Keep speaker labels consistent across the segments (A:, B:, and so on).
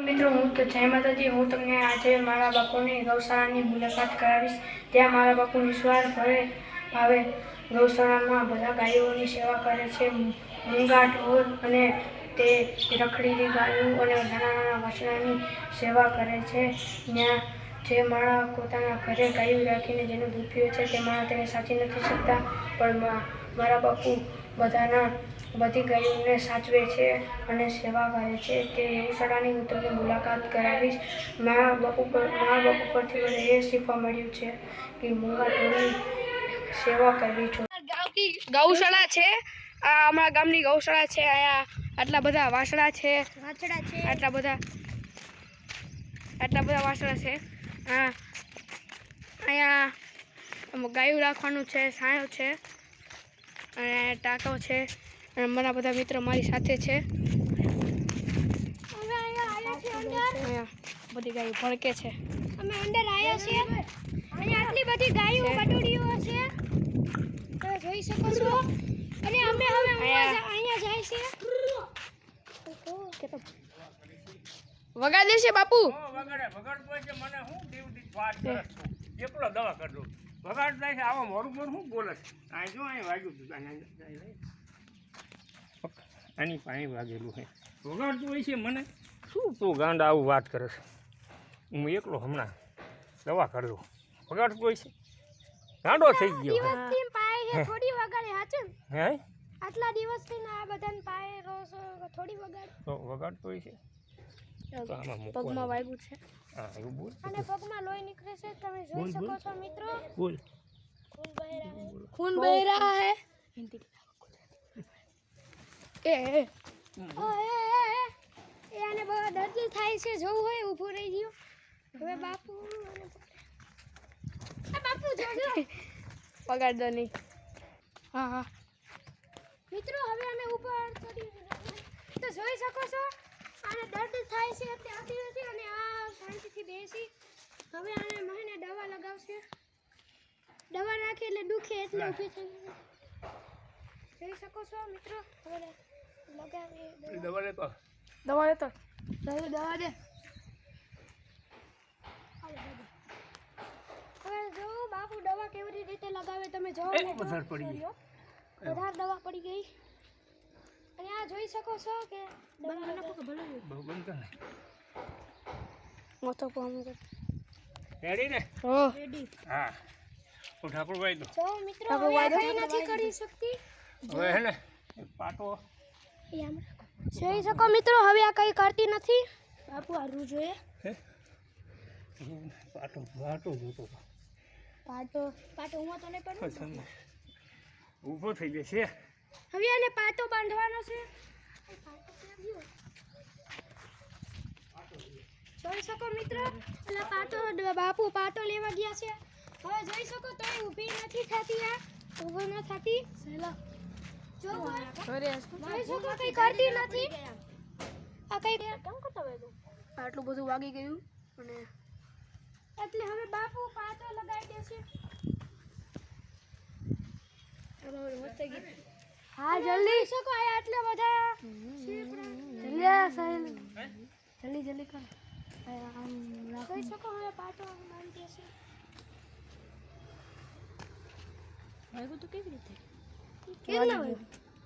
A: મિત્રો હું તો જય માતાજી। હું તમને આજે મારા બાપુની ગૌશાળાની મુલાકાત કરાવીશ। ત્યાં મારા બાપુ નિસ્વાર્થ ભાવે ગૌશાળામાં બધા ગાયોની સેવા કરે છે। મૂંગા ઢોર અને તે રખડેલી ગાયો અને નાના નાના વાછરડાની સેવા કરે છે। ત્યાં જે માણસ પોતાના ઘરે ગાયો રાખીને જેનું દૂધ પીવે છે તે માણસ તેને સાચી નથી શકતા, પણ મારા બાપુ બધી ગાયોને સાચવે છે અને સેવા કરે છે। તે ગૌશાળાની હું તમને મુલાકાત કરાવીશ। મારા બાપુ પરથી મને એ શીખવા મળ્યું છે કે મૂંગા ઢોરની સેવા કરવી જોઈએ। ગૌશાળા છે, આ અમારા ગામની ગૌશાળા છે। અહીંયા આટલા બધા વાસણા છે, આટલા બધા વાસણા છે। અહીંયા ગાયું રાખવાનું છે, છાંયો છે અને ટાંકો છે અને મારા બધા મિત્રો મારી સાથે છે। અહીંયા બધી ગાયો ભડકે છે।
B: અમે અંદર આવ્યા છીએ। અહીંયા આટલી બધી ગાયો બટુડીઓ છે, તમે જોઈ શકો છો। અને અમે હવે અહીંયા જાય છે।
A: વગા દેશે બાપુ
C: વગાડતો છે મને હું દીવદી વાત કરે એકલો દવા કરજો વગાડ જાય છે આવો મોરું મોરું હું બોલે છે આ જો અહીં વાગ્યું આની પાણી વાગેલું છે વગાડતું હોય છે મને શું તું ગાંડા આવું વાત કરે છે હું એકલો હમણાં દવા કરજો વગાડતું હોય છે ગાંડો થઈ ગયો
B: દિવસથી પાય છે થોડી વગાડે હાચું
C: હે
B: આટલા દિવસથી આ બધાને પાય રોજ થોડી વગાડે
C: તો વગાડતું હોય છે
A: પગમાં વાગ્યું છે।
C: હા એવું બોલ
B: અને પગમાં લોહી નીકળે છે, તમે જોઈ શકો છો મિત્રો।
C: બોલ
B: खून बह रहा है।
A: એ
B: આને બહુ દર્દ થાય છે, જોવું હોય ઊભો રહી ગયો। હવે બાપુ જોજો
A: પગાર દો નહીં। હા
B: મિત્રો હવે અમે ઉપર ચડી તો જોઈ શકો છો આને દર્દ થાય છે ત્યાંથી નથી અને આ શાંતિથી બેસી હવે આને મહિને દવા લગાવશે। દવા નાખી એટલે દુખે એટલે ઊભી થઈ ગઈ જોઈ શકો છો મિત્રો। હવે લગાવી
C: દવા લેતો
A: દવા દે।
B: હવે જો બાપુ દવા કેવી રીતે લગાવે તમે જોવો ને
C: વધારે પડી ગઈ
B: વધારે દવા પડી ગઈ અને આ જોઈ શકો છો કે
C: બંધ કર
A: મોટો પામ
C: રેડી ને
A: હો
B: રેડી।
C: હા તો ઠાકોરભાઈ તો
B: જો મિત્રો હવે કઈ નથી કરી શકતી
C: હવે હે ને પાટો
B: જોઈ શકો મિત્રો હવે આ કઈ કરતી નથી। બાપુ હારવું જોઈએ
C: પાટો જોતો
B: પાટો હું તો નહીં પડું
C: ઊભો થઈ જશે
B: હવે આને પાટો બાંધવાનો છે। જોઈ શકો મિત્રો એટલે બાપુ પાટો લેવા ગયા છે। હવે જોઈ શકો તો ઊભી નથી થતી, આ ઊભો ન થતી જો જોઈ શકો કઈ કરતી નથી આ કઈ કેમ કરતો હોય
A: આટલું બધું વાગી ગયું અને
B: એટલે હવે બાપુ પાટો લગાવી દેશે। હા જલ્દી શકો આ આટલા બધા
A: જલ્દી કર।
B: જોઈ શકો હવે પાટો બાંધી દેશે।
A: વાગ્યું તો કેવી રીતે
B: કેટલા હવે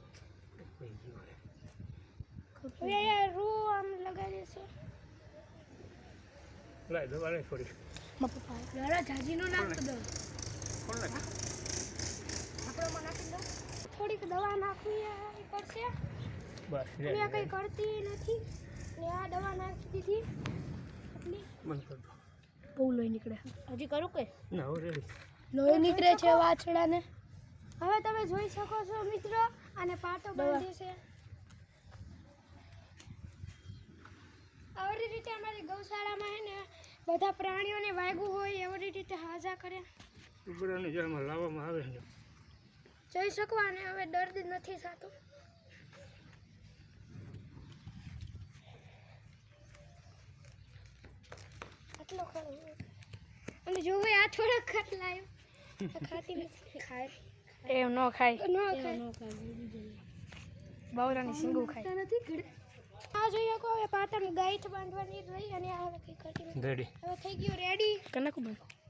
B: યાર રૂ આમ લગાવી દેશે।
C: લાય દવા લઈ થોડી
B: લડા જાજીનો નાખ દો
C: કોણ નાખ
B: આપણોમાં નાખી દો થોડીક દવા નાખવી પડશે
C: બસ
B: અને આ કઈ કરતી નથી ને આ દવા નાખી દીધી એટલી
C: બંધ કર દો
A: બહુ લોહી નીકળે। હજી કરું કે
C: ના હવે રેડી
A: લોહી નીકળે છે વાછડાને।
B: હવે તમે જોઈ શકો છો મિત્રો આને પાટો બાંધે છે। આવી રીતે અમારી ગૌશાળામાં હે ને બધા પ્રાણીઓને વાગ્યું હોય એવી રીતે હાજા કરે
C: ઉપરાને જેમાં લાવવામાં આવે ને
B: જોઈ શકો અને હવે દર્દ નથી થતું। આટલો ખરો અને જોવે આ થોડો ખત લાયો ખાતી નથી ખાય
A: એમ ન ખાય
B: ન ખાય
A: બાવરાની સિંગુ ખાય
B: નથી ઘડે આ જોઈ શકો હવે પાટણ ગાઈઠ બાંધવાની રહી અને આ હવે કંઈ કરતી નથી.
C: રેડી
B: હવે થઈ ગયું રેડી કનાકું બંધ